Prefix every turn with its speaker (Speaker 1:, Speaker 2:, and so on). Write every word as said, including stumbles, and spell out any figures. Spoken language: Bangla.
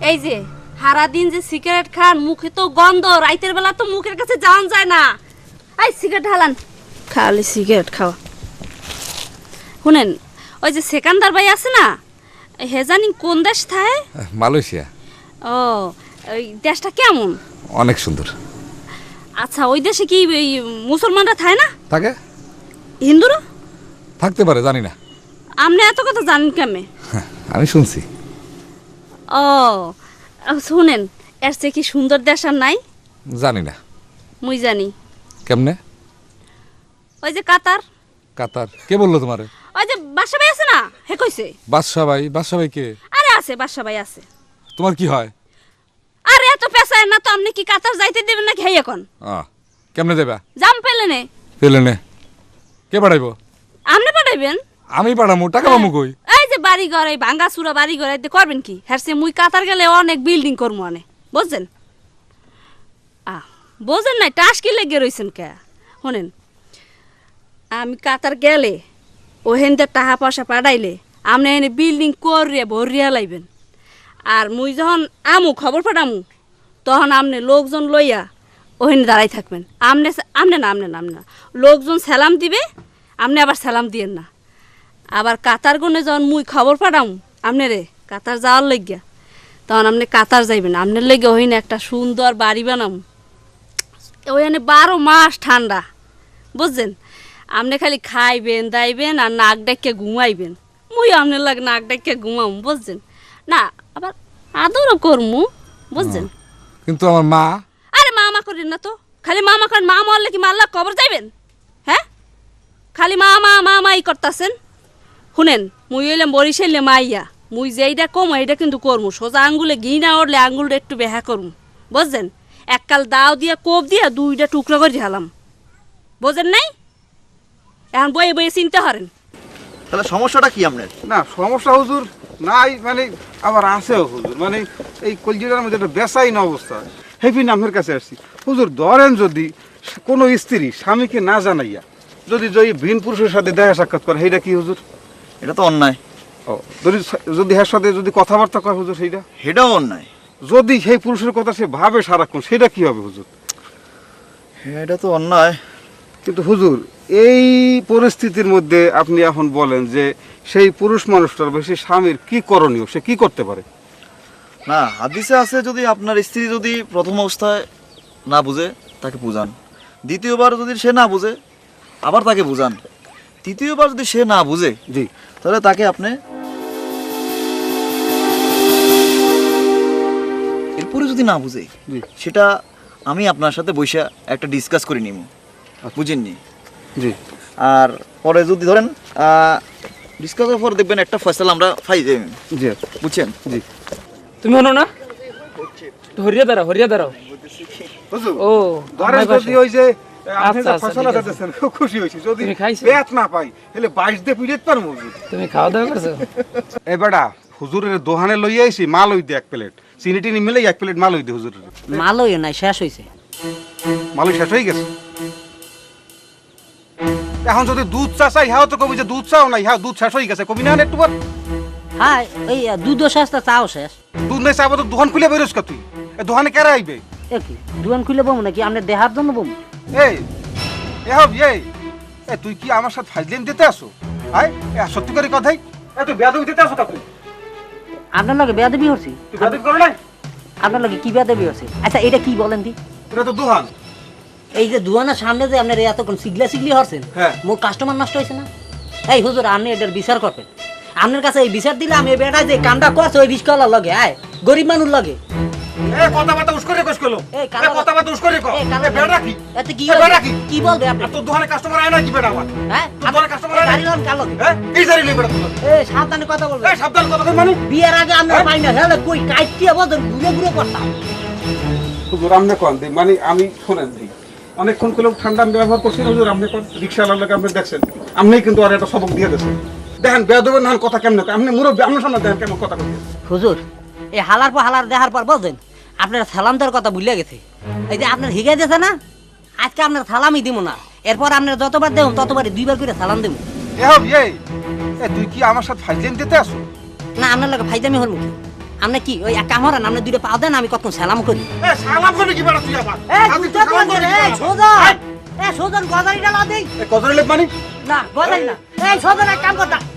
Speaker 1: এই যে সারা দিন যে সিগারেট খান, মুখে তো গন্ধ, রাইতের বেলা তো মুখের কাছে যাওয়া যায় না। এই সিগারেট হালান, খালি সিগারেট খাওয়া। শুনেন, ওই যে সেকান্দার ভাই আছে না, হে জানি কোন দেশ থাকে?
Speaker 2: মালয়েশিয়া।
Speaker 1: ও, ওই দেশটা কেমন?
Speaker 2: অনেক সুন্দর।
Speaker 1: আচ্ছা, ওই দেশে কি মুসলমানরা থাকে না?
Speaker 2: থাকে।
Speaker 1: হিন্দুরা
Speaker 2: থাকতে পারে, জানি না।
Speaker 1: আপনি এত কথা জানেন কেমনে?
Speaker 2: আমি শুনছি।
Speaker 1: ও শুনেন, এর চেয়ে কি সুন্দর দেশ আর নাই?
Speaker 2: জানি না।
Speaker 1: মুই জানি।
Speaker 2: কেমনে?
Speaker 1: ওই যে কাতার।
Speaker 2: কাতার? কে বললো তোমারে?
Speaker 1: ওই যে বাদশা ভাই আছে না, হে কইছে।
Speaker 2: বাদশা ভাই? বাদশা ভাই কে?
Speaker 1: আরে আছে, বাদশা ভাই আছে।
Speaker 2: তোমার কি হয়?
Speaker 1: আরে এত পেশায় না তো, আপনি কি কাতার যাইতে দেবেন নাকি? হেই এখন
Speaker 2: কেমনে দেবা?
Speaker 1: জাম পেলে নে।
Speaker 2: পেলে নে? কে পাঠাইবো?
Speaker 1: আপনি পাঠাইবেন?
Speaker 2: আমি পাঠামু? টাকা পামু কই?
Speaker 1: এই যে বাড়ি ঘর, এই ভাঙ্গা চুরা বাড়ি ঘর এতে করবেন কি? হ্যাঁ, মুই কাতার গেলে অনেক বিল্ডিং করবো অনেক, বুঝছেন? আহ বোঝেন নাই, টাস কি লেগে রয়েছেন কে? শোনেন, আমি কাতার গেলে ওহেনদের টাকা পয়সা পাঠাইলে আপনি এনে বিল্ডিং করিয়া ভরিয়া লাইবেন। আর মুই যখন আমু খবর পাঠামু, তখন আপনি লোকজন লইয়া ওহেনে দাঁড়াই থাকবেন। আমনে আমনে না আমনে না আমনে না লোকজন সালাম দিবে, আপনি আবার সালাম দিয়েন না। আবার কাতার গুনে যখন মুই খবর পাঠামু আপনি রে কাতার যাওয়ার লাগিয়া, তখন আপনি কাতার যাইবেন। আপনার লেগে ওইনে একটা সুন্দর বাড়ি বানাম, ওইখানে বারো মাস ঠান্ডা, বুঝছেন? আপনি খালি খাইবেন দাইবেন আর নাক ডাকিয়ে ঘুমাইবেন। মুই আপনার লাগে নাক ডাকিয়ে ঘুমাম, বুঝছেন? না আবার আদরও করমু, বুঝছেন?
Speaker 2: কিন্তু আমার মা।
Speaker 1: আরে মা মা করেন না তো, খালি মা মা করেন। মা মরলে কি মাল্লা কবর যাইবেন? হ্যাঁ, খালি মা মা মা মাই করতেছেন। শুনেন, মুই এলাম বরিশালে মাইয়া, মুই যেইটা কম এইটা কিন্তু করমু। সোজা আঙ্গুলে ঘি না উঠলে আঙ্গুলটা একটু বেহা করমু, বুঝছেন? এককাল দাও দিয়া কোপ দিয়া দুইটা টুকরা করে ঝালাম, বোঝেন নাই? এখন বয়ে বয়ে চিনতে হারেন।
Speaker 3: তাহলে সমস্যাটা কি আপনার?
Speaker 4: না সমস্যা হুজুর নাই, মানে আবার আছেও হুজুর, মানে এই কলজিটার মধ্যে একটা বেসাইন অবস্থা। হেফিন আপনার কাছে আসছি হুজুর। ধরেন যদি কোনো স্ত্রী স্বামীকে না জানাইয়া যদি যদি ভিন পুরুষের সাথে দেখা সাক্ষাৎ করে, সেইটা কি হুজুর?
Speaker 3: এটা তো অন্যায়।
Speaker 4: ও, যদি যদি এর সাথে যদি কথাবার্তা কয় হুজুর, সেইটা
Speaker 3: সেটাও অন্যায়।
Speaker 4: যদি সেই পুরুষের কথা সে ভাবে সারাক্ষণ, সেটা কি হবে হুজুর?
Speaker 3: হ্যাঁ, এটা তো অন্যায়।
Speaker 4: কিন্তু হুজুর এই পরিস্থিতির মধ্যে আপনি এখন বলেন যে সেই পুরুষ মানুষটার বা সেই স্বামীর কি করণীয়, সে কি করতে পারে?
Speaker 3: না, হাদিসে আছে যদি আপনার স্ত্রী যদি প্রথম অবস্থায় না বুঝে তাকে বুঝান, দ্বিতীয়বার যদি সে না বুঝে আবার তাকে বুঝান, তৃতীয়বার যদি সে না বুঝে
Speaker 4: জি,
Speaker 3: তাহলে তাকে আপনি এরপরে যদি না বুঝে
Speaker 4: জি,
Speaker 3: সেটা আমি আপনার সাথে বসে একটা ডিসকাস করে নিব, বুঝেননি?
Speaker 4: জি।
Speaker 3: আর পরে যদি ধরেন ডিসকাসের পর দেখবেন একটা ফয়সালা আমরা পাই যাই,
Speaker 4: জি,
Speaker 3: বুঝছেন?
Speaker 4: জি।
Speaker 5: তুমি হনো না, হরিয়া দাঁড়াও, হরিয়া দাঁড়াও।
Speaker 4: হুজুর
Speaker 5: ও
Speaker 4: ধরেন যদি ওই যে আপনি
Speaker 5: আচ্ছা,
Speaker 4: যে
Speaker 5: আচ্ছা,
Speaker 4: ফসলা
Speaker 5: ঠিক আছে।
Speaker 4: দিতেছেন, খুব খুশি হয়েছি। যদি
Speaker 5: তুমি খাইছো?
Speaker 4: পেট না পাই তাহলে বাইশ দিয়ে পিড়িয়ে পারবো হুজুর।
Speaker 5: তুমি খাওয়া দাওয়া করছো?
Speaker 4: এ বেটা হুজুরের দোহানে লইয়া আইছি, মাল হই দে এক প্লেট, চিনি টিনি মিলে এক প্লেট মাল হই দে হুজুরের।
Speaker 6: মালই নাই, শেষ হয়েছে।
Speaker 4: মালই শেষ হয়ে গেছে। এখন যদি দুধ চা চাই, হ্যাঁ তো কবি যে দুধ চাও নাই, হ্যাঁ দুধ শেষ হয়ে গেছে, কবি না একটু পর।
Speaker 6: হ্যাঁ, এই দুধও শেষ, তা চাও শেষ।
Speaker 4: দুধ নাই চাবো তো দোকান খুলে বেরোস কা তুই? এ দোকানে কেরা আইবে?
Speaker 6: এ কি দোকান খুলে বমু নাকি? আপনার দেহার জন্য বমু?
Speaker 4: এই এ হব এই এ তুই কি আমার সাথে ফাজলিম দিতে আসো? আয় এ সত্যি করে কথাই, এ তুই বেয়াদবি দিতে আসো কা তুই?
Speaker 6: আপনার লগে বেয়াদবি হচ্ছে?
Speaker 4: তুই বেয়াদবি করো নাই?
Speaker 6: আপনার লগে কি বেয়াদবি হচ্ছে? আচ্ছা এটা কি বলেন দি?
Speaker 4: এটা তো দোকান।
Speaker 6: এই যে দোকানের সামনে যে আপনার এতক্ষণ সিগলা সিগলি হচ্ছেন,
Speaker 4: হ্যাঁ।
Speaker 6: মোর কাস্টমার নষ্ট হয়েছে না? এই হুজুর, আপনি এটার বিচার করবেন। আপনার কাছে এই বিচার দিলে আমি বেটা যে কামটা করছে ওই রিস্কওয়ালার লগে, আয় গরিব মানুষ লগে।
Speaker 4: এ কথাবার্তা উস্করে কইস কইলো,
Speaker 6: এই
Speaker 4: এ
Speaker 6: কালো-
Speaker 4: কথাবার্তা উস্করে কও।
Speaker 6: এই
Speaker 4: এ
Speaker 6: কালো-
Speaker 4: বেড়া কি?
Speaker 6: এতে কি
Speaker 4: এ বেড়া
Speaker 6: হইছে?
Speaker 4: কি?
Speaker 6: কি বলবে আপনি?
Speaker 4: আর তোর দোকানে কাস্টমার আয় না কি বেড়া আমার?
Speaker 6: হ্যাঁ,
Speaker 4: তোর দোকানে কাস্টমার আয় না?
Speaker 6: গাড়ি লোন কালো।
Speaker 4: হ্যাঁ কি জানি লই বেড়া তোর?
Speaker 6: এই সাবধানে কথা বলবেন।
Speaker 4: এই সাবধান কথা কই মানে?
Speaker 6: বিয়ের আগে আমরা পাই না, হ্যাঁ কই কাইটিয়া বদন ঘুরে ঘুরে করতাম।
Speaker 4: হুজুর আমনে কোন দি, মানে আমি শুনেন দি অনেকক্ষণ কইলো ঠান্ডা আমি ব্যবহার করছি না হুজুর। আপনি কোন রিকশাওয়ালার লাগে আপনি দেখছেন, আপনিই কিন্তু আর একটা সবক দিয়ে দিয়েছেন। দেখেন বেয়াদবের নান কথা কেমন কয়, আপনি মুরব্বি, আপনার সামনে দেখেন কেমন কথা কই।
Speaker 6: হুজুর এই হালার পর হালার দেখার পর বলছেন আপনার সালাম দেওয়ার কথা ভুলে গেছে। এই যে আপনার হিগাই দিয়েছে না, আজকে আপনার সালামই দিব না, এরপর আপনার যতবার দেব ততবারই দুইবার করে সালাম দেব।
Speaker 4: এ হব এই এ তুই কি আমার সাথে ফাজলিম দিতে আসো?
Speaker 6: না আপনার লাগে ফাইজামি হল কি? আপনি কি ওই এক কাম করেন, আপনি দুইটা পা দেন, আমি কতক্ষণ সালাম করি।
Speaker 4: এ সালাম করে কি বেড়া তুই আবার
Speaker 6: এই
Speaker 4: আমি তো
Speaker 6: দুইটা
Speaker 4: সালাম
Speaker 6: কোন
Speaker 4: করে
Speaker 6: রে? এই সোজন, এই সোজন গজারিটা লা দেই
Speaker 4: কত লেখ মানি
Speaker 6: না, গজারি না, এই সোজন এক কাম করতা